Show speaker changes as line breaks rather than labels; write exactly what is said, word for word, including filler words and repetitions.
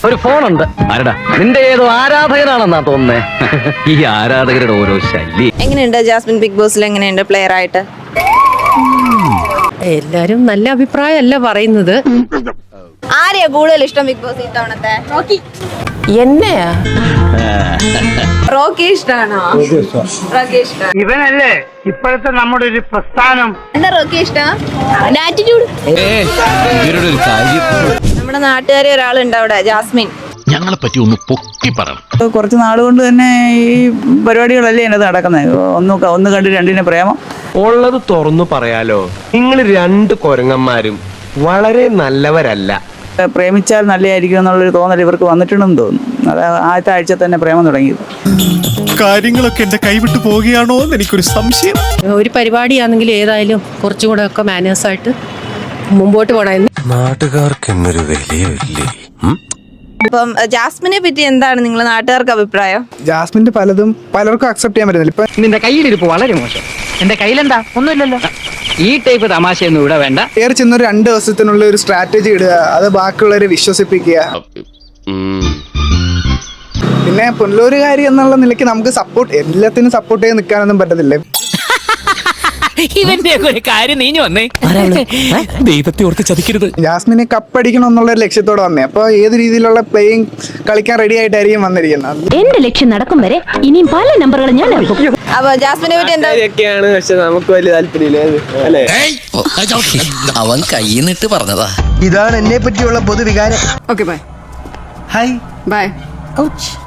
ഒരു ഫോണുണ്ട്. ആരടാ? നിന്റെ ഏതോ ആരാധകനാണെന്നാ തോന്നുന്നേ. ഈ ആരാധകരുടെ ഓരോ ശല്യം.
എങ്ങനെയുണ്ട് ജാസ്മിൻ ബിഗ് ബോസിൽ? എങ്ങനെയുണ്ട് പ്ലെയർ ആയിട്ട്?
എല്ലാരും നല്ല അഭിപ്രായമല്ല പറയുന്നത്.
ആരെയാ കൂടുതൽ ഇഷ്ടം ബിഗ് ബോസ് ഇത്തവണത്തെ? റോക്കി.
എന്നെയാ?
റോക്കി ഇഷ്ടാണോ? റോക്കി ഇഷ്ടം.
ഇവനല്ലേ ഇപ്പോഴത്തെ നമ്മുടെ ഒരു പ്രസ്ഥാനം.
എന്താ റോക്കി ഇഷ്ടം? ആറ്റിറ്റ്യൂഡ്. നമ്മുടെ നാട്ടുകാരി ഒരാളുണ്ട് അവിടെ, ജാസ്മിൻ.
ഞങ്ങളെ പറ്റി ഒന്ന് പൊക്കി പറയണം.
കുറച്ച് നാളുകൊണ്ട് തന്നെ ഈ പരിപാടികളല്ലേ അതിനകത്ത് നടക്കുന്നത്. ഒന്ന് ഒന്ന് കണ്ട് രണ്ടിനെ പ്രേമം
ഉള്ളത് തുറന്നു പറയാലോ, നിങ്ങൾ രണ്ട് കൊരങ്ങന്മാരും വളരെ നല്ലവരല്ല.
പ്രേമിച്ചാൽ നല്ലതായിരിക്കും എന്നുള്ളൊരു തോന്നൽ ഇവർക്ക് വന്നിട്ടുണ്ടെന്ന് തോന്നുന്നു. അത് ആദ്യത്തെ ആഴ്ച തന്നെ പ്രേമം തുടങ്ങിയത്.
കാര്യങ്ങളൊക്കെ എന്റെ കൈവിട്ട് പോവുകയാണോ എന്ന് എനിക്കൊരു സംശയം.
ഒരു പരിപാടിയാണെങ്കിൽ ഏതായാലും കുറച്ചും കൂടെ ഒക്കെ മാനേഴ്സായിട്ട് മുമ്പോട്ട് പോകണമെന്ന്.
നാട്ടുകാർക്ക് എന്നൊരു വിലയില്ലേ?
അപ്പം ജാസ്മിനെ പറ്റി എന്താണ് നിങ്ങൾ നാട്ടുകാർക്ക് അഭിപ്രായം?
ജാസ്മിന്റെ പലതും പലർക്കും അക്സെപ്റ്റ് ചെയ്യാൻ പറ്റുന്നില്ല. ഇപ്പൊ
നിന്റെ കയ്യിലിരിപ്പ് വളരെ മോശം. എന്റെ കയ്യിലെന്താ? ഒന്നുമില്ലല്ലോ. ഈ ടൈപ്പ് തമാശയൊന്നും ഇവിടെ വേണ്ട.
കയറി ചെന്നൊരു രണ്ട് ദിവസത്തിനുള്ള ഒരു സ്ട്രാറ്റജി ഇടുക, അത് ബാക്കിയുള്ളവരെ വിശ്വസിപ്പിക്കുക. പിന്നെ പുനലൂരുകാരി എന്നുള്ള നിലയ്ക്ക് നമുക്ക് സപ്പോർട്ട് എല്ലാത്തിനും സപ്പോർട്ട് ചെയ്ത് നിൽക്കാനൊന്നും പറ്റത്തില്ല.
ഇവന്റെ ഒരു കാര്യം നീഞ്ഞു വന്നേ. ദൈവത്തെ ഓർത്ത് ചതിക്കരുത്.
ജാസ്മിനെ കപ്പടിക്കണം എന്നുള്ള ഒരു ലക്ഷ്യത്തോടെ വന്നേ. അപ്പൊ ഏത് രീതിയിലുള്ള പ്ലേയിങ് കളിക്കാൻ റെഡി ആയിട്ടായിരിക്കും വന്നിരിക്കുന്നത്.
എന്റെ ലക്ഷ്യം നടക്കും വരെ ഇനിയും പല നമ്പറുകൾ ഞാൻ എടുക്കും.
അപ്പൊ ജാസ്മിനെ പറ്റി എന്താ?
പക്ഷെ നമുക്ക് വലിയ താല്പര്യമില്ല അല്ലേ?
അവൻ കൈന്നിട്ട് പറഞ്ഞതാ.
ഇതാണ് എന്നെ പറ്റിയുള്ള പൊതുവികാരം.
Okay bye.
Hi
bye.
Ouch.